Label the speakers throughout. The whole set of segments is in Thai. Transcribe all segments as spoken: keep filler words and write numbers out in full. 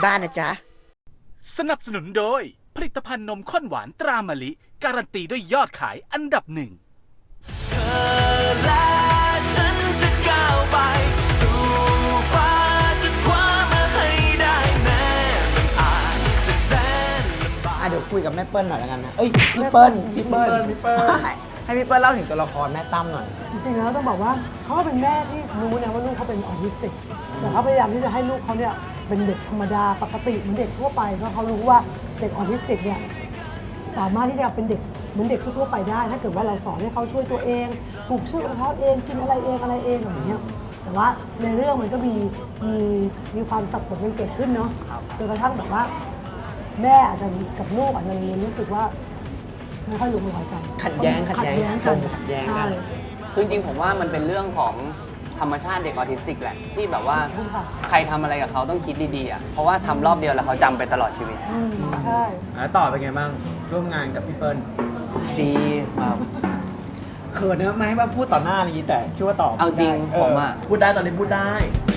Speaker 1: บ้านนะจ๊ะ
Speaker 2: สนับสนุนโดยผลิตภัณฑ์นมข้นหวานตรามะลิการันตีด้วยยอดขายอันดับหนึ่งเธอและฉันจะก้าวไปสู่ฟ้าจะคว้ามาให้ได้แม้มันอาจจะแสนลำบาก
Speaker 3: เดี๋ยวคุยกับแม่เปิ้ลหน่อยแล้วกันนะเอ้ยพี่เปิ้ลพี่เปิ้ลพี่เปิ้ลให้พี่เปิ้ลเล่าถึงตัวละครแม่ตั้มหน่อย
Speaker 4: จริงๆแล้วต้องบอกว่าเขาก็เป็นแม่ที่รู้นะว่าลูกเขาเป็นออทิสติกแต่เขาพยายามที่จะให้ลูกเขาเนี่ยเป็นเด็กธรรมดาปกติเหมือนเด็กทั่วไปเพราะเขารู้ว่าเด็กออทิสติกเนี่ยสามารถที่จะเป็นเด็กเหมือนเด็กทั่วไปได้ถ้าเกิดว่าเราสอนให้เขาช่วยตัวเองปลูกชื่อของเขาเองกินอะไรเองอะไรเองอะไรเงี้ยแต่ว่าในเรื่องมันก็มีมีมีความสับสนกันเกิดขึ้นเนาะจนกระทั่งแบบว่าแม่อาจจะกับลูกอาจจะรู้สึกว่าไม่ค่อยลงรอยกัน
Speaker 3: ขัดแย้งขัดแย้งกันขัดแย้งกัน
Speaker 5: คือจริงๆผมว่ามันเป็นเรื่องของธรรมชาติเด็กออทิสติกแหละที่แบบว่าใครทำอะไรกับเขาต้องคิดดีๆอ่ะเพราะว่าทำรอบเดียวแล้วเขาจำไปตลอดชีวิต
Speaker 4: ใช่
Speaker 3: แล้วต่อเป็นไงบ้างร่วมงานกับพี่เปิ้ล
Speaker 5: ดีครับ
Speaker 3: เขินนะไม่ให้มาพูดต่อหน้าอย่างนี้แต่ชื่อว่าตอบ
Speaker 5: เอาจริงผมอ่ะ
Speaker 3: พูดได้ตอนนี้พูดได้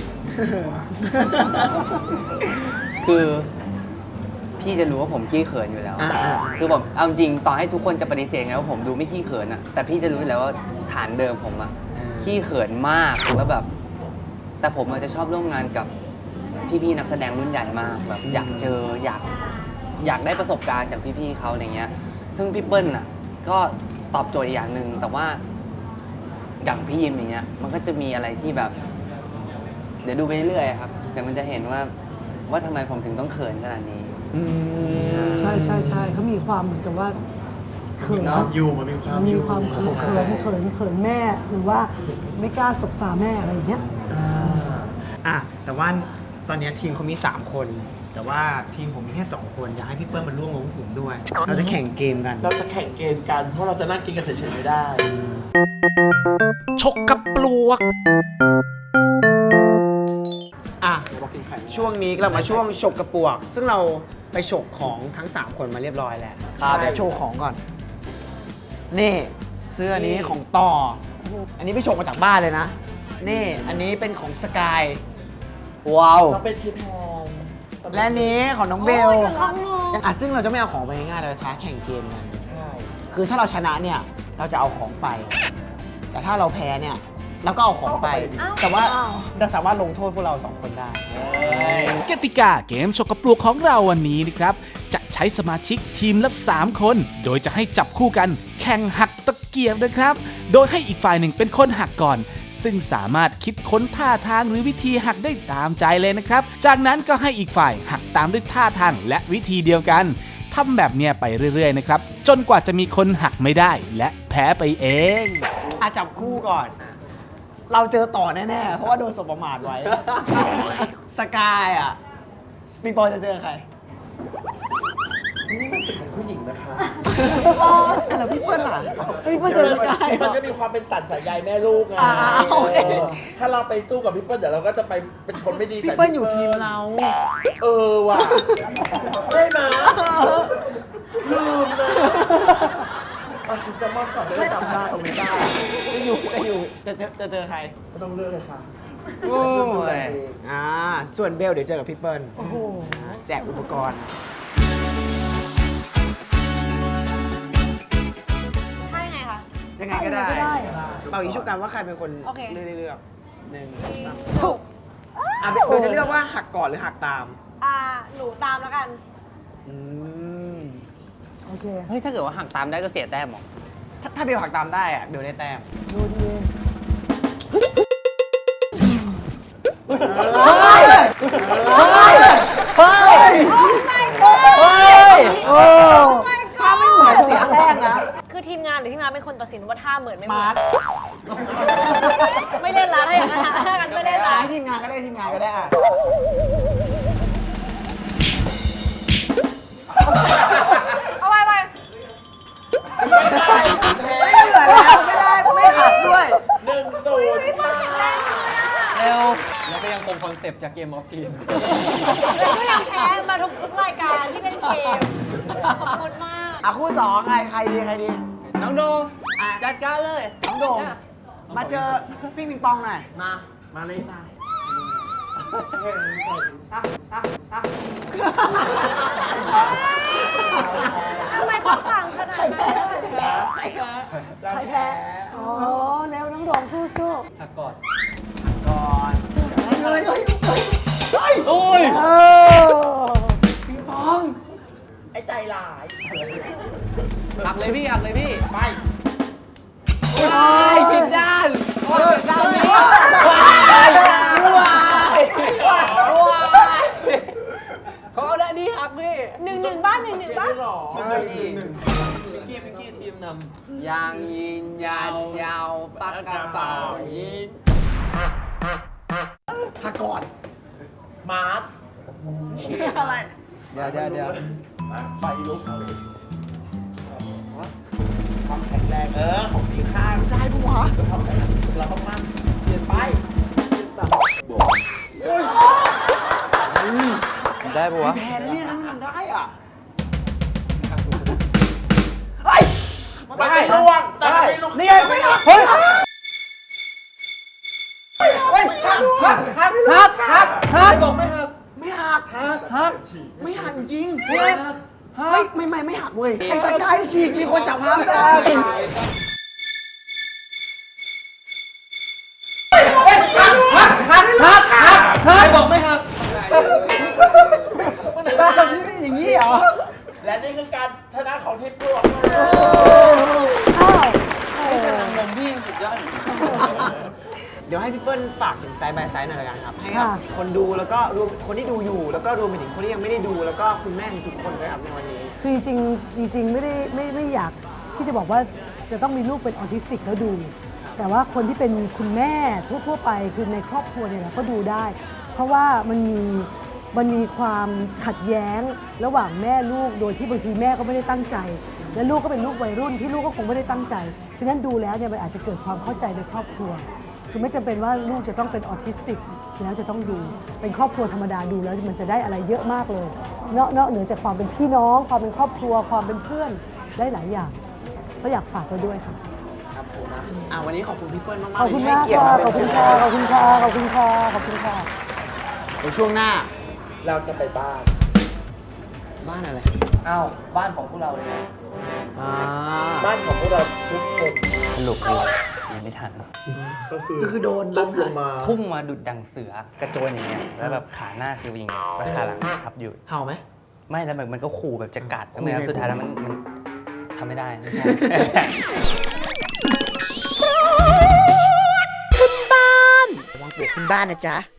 Speaker 5: คือพี่จะรู้ว่าผมขี้เขินอยู่แล้วคือผมเอาจริงต่อให้ทุกคนจะปฏิเสธไงว่าผมดูไม่ขี้เขินอะแต่พี่จะรู้อยู่แล้วว่าฐานเดิมผมอะขี้เขินมากแล้วแบบแต่ผมอาจจะชอบร่วมงานกับพี่ๆนักแสดงรุ่นใหญ่มากแบบอยากเจออยากอยากได้ประสบการณ์จากพี่ๆเขาอะไรเงี้ยซึ่งพี่เปิ้ลอะก็ตอบโจทย์อย่างหนึ่งแต่ว่าอย่างพี่ยิมอย่างเงี้ยมันก็จะมีอะไรที่แบบเดี๋ยวดูไปเรื่อยๆครับเดี๋ยวมันจะเห็นว่าว่าทำไมผมถึงต้องเขินขนาดนี้
Speaker 4: ใช่ใช่ใช่เขามีความเหมือนกับว่าเขิน
Speaker 3: อยู่มันมีความ
Speaker 4: มีความเขินเขินเขินเขินแม่หรือว่าไม่กล้าสบตาแม่อะไรอย่างเงี้ย
Speaker 3: อ่ะแต่ว่าตอนนี้ทีมเขามีสามคนแต่ว่าทีมผมมีแค่สองคนอยากให้พี่เปิ้ลมาร่วมวงกลุ่มด้วยเราจะแข่งเกมกัน
Speaker 6: เราจะแข่งเกมกันเพราะเราจะนั่งกินกันเฉยๆไม่ได้
Speaker 2: ชกกับปลวก
Speaker 3: อ่ะช่วงนี้เรามาช่วงฉกกระปวกซึ่งเราไปฉกของทั้งสามคนมาเรียบร้อยแล้วครับโชว์ของก่อนนี่เสื้อนี้ของต่ออันนี้ไปฉกมาจากบ้านเลยนะนี่อันนี้เป็นของสกาย
Speaker 5: ว้าว
Speaker 6: เราเป็นชิปแฮม
Speaker 3: และนี้ของน้องเบลอ่ะซึ่งเราจะไม่เอาของไปง่ายๆเราท้าแข่งเกมกัน
Speaker 6: ใช่
Speaker 3: คือถ้าเราชนะเนี่ยเราจะเอาของไปแต่ถ้าเราแพ้เนี่ยแล้วก็เอาของไปแต่ว่าจะสามารถลงโทษพวกเราสองคนได้
Speaker 2: กติกาเกมชกกระปลวกของเราวันนี้นะครับจะใช้สมาชิกทีมละสามคนโดยจะให้จับคู่กันแข่งหักตะเกียบนะครับโดยให้อีกฝ่ายหนึ่งเป็นคนหักก่อนซึ่งสามารถคิดค้นท่าทางหรือวิธีหักได้ตามใจเลยนะครับจากนั้นก็ให้อีกฝ่ายหักตามด้วยท่าทางและวิธีเดียวกันทำแบบเนี้ยไปเรื่อยๆนะครับจนกว่าจะมีคนหักไม่ได้และแพ้ไปเอง
Speaker 3: อาจับคู่ก่อนเราเจอต่อแน่ๆเพราะว่าโดนสบประมาทไว้สกายอ่ะปิงปองจะเจอใคร
Speaker 6: นี่เป็นสิทธิ์ของผู้หญิงนะคะ
Speaker 3: แล้วพี่เปิ้ลล่ะพี่เปิ้ลเจอสกาย
Speaker 6: มันก็มีความเป็นสัตว์สายใยแม่ลูกไงถ้าเราไปสู้กับพี่เปิ้ลเดี๋ยวเราก็จะไปเป็นคนไม่ดี
Speaker 3: พี่เปิ้ลอยู่ทีมเรา
Speaker 6: เออว่ะได้ไหมลืมเลยเอาคิดซะมากก่อนได้จำได้โอเมก้า
Speaker 3: จะอยู่จะอยู่จะจะจะเจอใคร
Speaker 6: ก็ต้องเลือกเลยค่ะ
Speaker 3: โอ้ยอ่าส่วนเบลเดี๋ยวเจอกับพี่เปิ้ลโอ้โหแจกอุปกรณ์
Speaker 7: ใช่ไงคะ
Speaker 3: ยังไงก็ได้เป่ายิงชุบกันว่าใครเป็นคนเลือกเลือกหนึ่งถูกอ่ะเบลจะเลือกว่าหักก่อนหรือหักตาม
Speaker 7: อ่าหนูตามแล้วกัน
Speaker 3: อืม
Speaker 4: โอเค
Speaker 5: เฮ้ยถ้าเกิดว่าหักตามได้ก็เสียแต้มหรอ
Speaker 3: ถ้าเบลหักตามได้อะเบลได้แต้ม
Speaker 4: ดูดี
Speaker 3: เฮ้ยเฮ้ยเฮ้ยเฮ้ยโอ้ถ้าไม่เหมือนเสียแต้มนะ
Speaker 7: คือทีมงานหรือทีมงานเป็นคนตัดสินว่าท่าเหมือนไม่เหมือนไม่เล่นละถ้าอย่างนั้นถ้ากันไม่เล่นละ
Speaker 3: ให้ทีมงานก็ได้ทีมงานก็ได้อะ
Speaker 7: เอาไปไป
Speaker 6: ไม่ได้
Speaker 3: ไม่เหลือแล้วไม่ได้ไม่หักด้วย
Speaker 6: หนึ่งศูนย์
Speaker 5: เร็วแล้วก็ยังคงคอนเซปต์จากเกมออฟทีม
Speaker 7: แล้วก็ยังแพ้มาทุกทุกรายการที่เล่นเกมขอบคุณมาก
Speaker 3: อ่ะคู่สองใครใครดีใครดี
Speaker 5: น้องโดมจัดการเลย
Speaker 3: น้องโดมมาเจอพี่ปิงปองหน่อย
Speaker 6: มามาเลยจ้า
Speaker 7: ทำไมต้องฟังขนาดนั้น
Speaker 3: ใครแพ้
Speaker 4: อ๋อแล้วน้องโดมสู้
Speaker 6: หักก่อน
Speaker 3: ก่อนเฮ้ยเฮ้ยเฮ้ย
Speaker 5: โอ้ย
Speaker 4: ๆเออ
Speaker 3: ปิงปอง
Speaker 6: ไอ้ใจหลาย
Speaker 5: หักเลยพี่หักเลยพี่
Speaker 6: ไป
Speaker 5: ว้ายผิดด้านโอ้ยผิดด้านพี่ว้ายเขาเอาด้านนี้หักพี่
Speaker 7: หนึ่งหนึ่งบ้านหนึ่งหนึ่งบ้าน
Speaker 6: หรอ
Speaker 5: ใช่
Speaker 6: หนึ่งหนึ่งพิงกี้พิงกี้ทีมนำ
Speaker 5: ยางยิงยานยาวปากกระเป๋ายิง
Speaker 3: หักก่อน
Speaker 6: มาร์ค
Speaker 3: อะไร
Speaker 5: เดี๋ยวเดี๋ยวเดี๋ยว
Speaker 6: ไฟลุกความแข็งแรงเออของสีข้าง
Speaker 3: ได้ปะวะ
Speaker 6: เราต้องมั่นเปลี่ยนไป
Speaker 5: ได้ปะวะ
Speaker 3: แพ้นะเนี่ยถ้าไม่ทำได้อ่ะ
Speaker 6: ได้ล่วงแต่ไม่ลุก
Speaker 3: นี่ไงไม่หักเฮ้ยเฮ้ยหักหักหักหักหักหัก
Speaker 6: บอกไม่หัก
Speaker 3: ไม่หัก
Speaker 6: หัก
Speaker 5: หัก
Speaker 3: ไม่หักจริง
Speaker 6: ไม่หัก
Speaker 3: เฮ้ยไม่ไม่ไม่หักเว้ยไอ้สกายฉีกมีคนจับห้ามได้หักหักหักหักหัก
Speaker 6: ใครบอกไม่หัก
Speaker 3: มันทำแบบนี้เป็นอย่างนี้เหรอ
Speaker 6: และนี่คือการชนะของทีมปลวก
Speaker 4: อ้าวเออ
Speaker 5: ลมพี่สุดยอด
Speaker 3: เดี๋ยวให้พี่เปิ้ลฝากถึงไซด์บายไซด์หน่อยละกันครับ ให้กับคนดูแล้วก็รวมคนที่ดูอยู่ แล้วก็รวมไปถึงคนที่ยังไม่ได้ดู แล้วก็คุณแม่ทุกคนด้วยครับในวันนี้
Speaker 4: คือจริงๆจริงๆไม่ได้ไม่ไม่อยากที่จะบอกว่าจะต้องมีลูกเป็นออทิสติกแล้วดู แต่ว่าคนที่เป็นคุณแม่ทั่วๆไปคือในครอบครัวเนี่ยแหละก็ดูได้ เพราะว่ามันมีมันมีความขัดแย้งระหว่างแม่ลูกโดยที่บางทีแม่ก็ไม่ได้ตั้งใจ และลูกก็เป็นลูกวัยรุ่นที่ลูกก็คงไม่ได้ตั้งใจฉะนั้นดูแล้วเนี่ยมันอาจจะเกิดความเข้าใจในครอบครัว คือไม่จำเป็นว่าลูกจะต้องเป็นออทิสติกแล้วจะต้องดูเป็นครอบครัวธรรมดาดูแล้วมันจะได้อะไรเยอะมากเลยนอกนอกเหนือจากความเป็นพี่น้อง ความเป็นครอบครัวความเป็นเพื่อนได้หลายอย่างก็อยากฝากไว้ด้วยค่ะ
Speaker 3: ครับผมนะอ่าวันนี้ขอบคุณพี่เปิ้ลมาก
Speaker 4: ขอบ
Speaker 3: ๆ
Speaker 4: คุณ
Speaker 3: ที่ให้
Speaker 4: มาก
Speaker 3: เกียรติ
Speaker 4: ค่ะ
Speaker 3: มา
Speaker 4: ขอบ
Speaker 3: เป็
Speaker 4: คุ
Speaker 3: น
Speaker 4: ณ
Speaker 3: แข
Speaker 4: ค่ะ
Speaker 3: ก
Speaker 4: ขอบคุณค่ะขอบคุณค่ะขอบคุณค่ะ
Speaker 3: เดี๋ยวช่วงหน้า
Speaker 6: เราจะไปบ้าน
Speaker 3: บ้านอะไร
Speaker 5: อ้าวบ้านของพวกเราเลยนะ
Speaker 3: อ่า
Speaker 6: บ้านของพวกเราทุกคน
Speaker 5: สรุปเลยยังไม่ทัน
Speaker 6: ก็คือ
Speaker 3: ก็คือโดน
Speaker 6: ล้มลงมา
Speaker 5: พุ่งมาดุดดังเสือกระโจนอย่างเงี้ยแล้วแบบขาหน้าคืออย่างเงี้ยแล้วขาหลังทับอยู่
Speaker 3: เห่าไหม
Speaker 5: ไม่แล้วมันมันก็ขู่แบบจะกัด
Speaker 3: ขู่
Speaker 5: ก็ไม่งั้
Speaker 3: ไง
Speaker 5: นสุดท้ายแล้วมันมันทำไม่ได้ไม่ใช่
Speaker 3: ระวังปวกขึ้นบ้านนะจ๊ะ